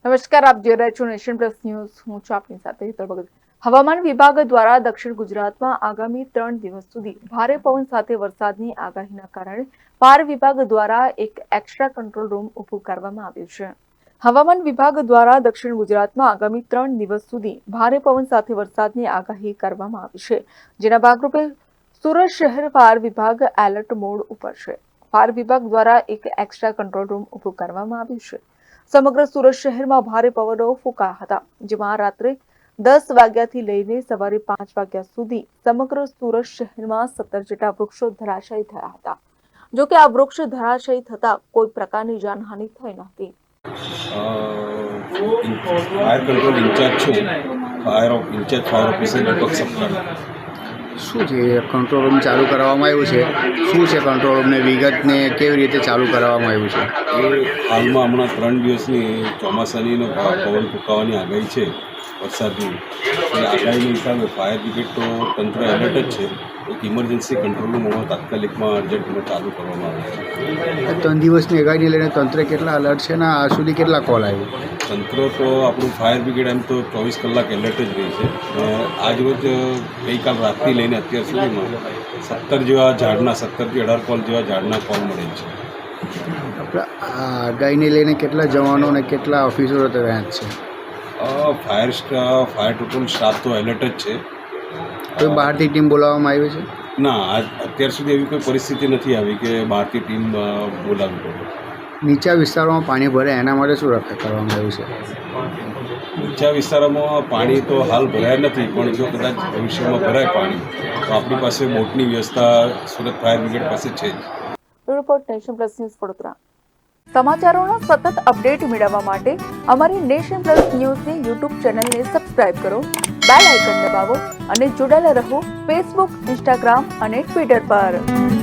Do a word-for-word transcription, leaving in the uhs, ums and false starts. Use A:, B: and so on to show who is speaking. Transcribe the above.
A: નમસ્કાર, આપ જોઈ રહ્યા છો નેશન પ્લસ ન્યૂઝ. હું છું આપની સાથે હેતલ ભગત. હવામાન વિભાગ દ્વારા દક્ષિણ ગુજરાતમાં આગામી ત્રણ દિવસ સુધી ભારે પવન સાથે વરસાદની આગાહીના કારણે ફાયર વિભાગ દ્વારા એક એક્સ્ટ્રા કંટ્રોલ રૂમ ઊભું કરવામાં આવ્યું છે. હવામાન વિભાગ દ્વારા દક્ષિણ ગુજરાતમાં આગામી ત્રણ દિવસ સુધી ભારે પવન સાથે વરસાદની આગાહી કરવામાં આવી છે, જેના ભાગરૂપે સુરત શહેર ફાયર વિભાગ એલર્ટ મોડ ઉપર છે. ફાયર વિભાગ દ્વારા એક એક્સ્ટ્રા કંટ્રોલ રૂમ ઊભું કરવામાં આવ્યું છે. સમગ્ર સુરત શહેરમાં ભારે પવનો ફૂંકાયા હતા, જેમાં રાત્રે દસ વાગ્યાથી લઈને સવારે પાંચ વાગ્યા સુધી સમગ્ર સુરત શહેરમાં સત્તર જેટલા વૃક્ષો ધરાશાયી થયા હતા. જો કે આ વૃક્ષ ધરાશાયી થતા કોઈ પ્રકારની જાનહાનિ થઈ નહોતી.
B: ફાયર કંટ્રોલ ઇન્ચાર્જ છું. Fire incharge fire officer Deepak Saptah.
C: શું છે કંટ્રોલ રૂમ ચાલુ કરાવવામાં આવ્યું છે? શું છે કંટ્રોલ રૂમને વિગતને કેવી રીતે ચાલુ કરાવવામાં આવ્યું છે?
B: એ હાલમાં હમણાં ત્રણ દિવસની ચોમાસાનીનો પવન ફૂંકાવાની આગાહી છે, વરસાદની. એ આગાહીના હિસાબે ફાયર બ્રિગેડ તો તંત્ર એલર્ટ જ છે. એક ઇમરજન્સી કંટ્રોલ રૂમ હમણાં તાત્કાલિકમાં અર્જન્ટમાં ચાલુ કરવામાં આવે છે.
C: ત્રણ દિવસની આગાહીને લઈને તંત્ર કેટલા અલર્ટ છે ને આ સુધી કેટલા કોલ આવ્યો?
B: તંત્ર તો આપણું ફાયર બ્રિગેડ એમ તો ચોવીસ કલાક એલર્ટ જ રહી છે. આજ રોજ ગઈકાલ રાતથી લઈને અત્યાર સુધીમાં સત્તર જેવા ઝાડના સત્તરથી અઢાર કોલ જેવા ઝાડના કોલ મળે છે.
C: આપણે આ આગાહીને લઈને કેટલા જવાનો અને કેટલા ઓફિસરો તૈયાર છે?
B: Fire staff fire total staff તો એલર્ટ જ છે.
C: કોઈ બહારથી ટીમ બોલાવવામાં આવી છે?
B: ના, આજ અત્યાર સુધી એવી કોઈ પરિસ્થિતિ નથી આવી કે બહારથી ટીમ બોલાવવી પડે.
C: નીચા વિસ્તારોમાં પાણી ભરે એના માટે શું રક્ષા કરવામાં આવ્યું છે?
B: નીચા વિસ્તારોમાં પાણી તો હાલ ભરાયા નથી, પણ જો કદાચ ભવિષ્યમાં ભરાય પાણી તો આપણી પાસે બોટની વ્યવસ્થા સુરત ફાયર બ્રિગેડ પાસે છે જ.
A: Report nation plus news Vadodara. સમાચારોના સતત અપડેટ મેળવવા માટે અમારી નેશન પ્લસ ન્યૂઝની યુટ્યુબ ચેનલને સબસ્ક્રાઇબ કરો, બેલ આઇકન દબાવો અને જોડાયેલા રહો ફેસબુક, ઇન્સ્ટાગ્રામ અને ટ્વિટર પર.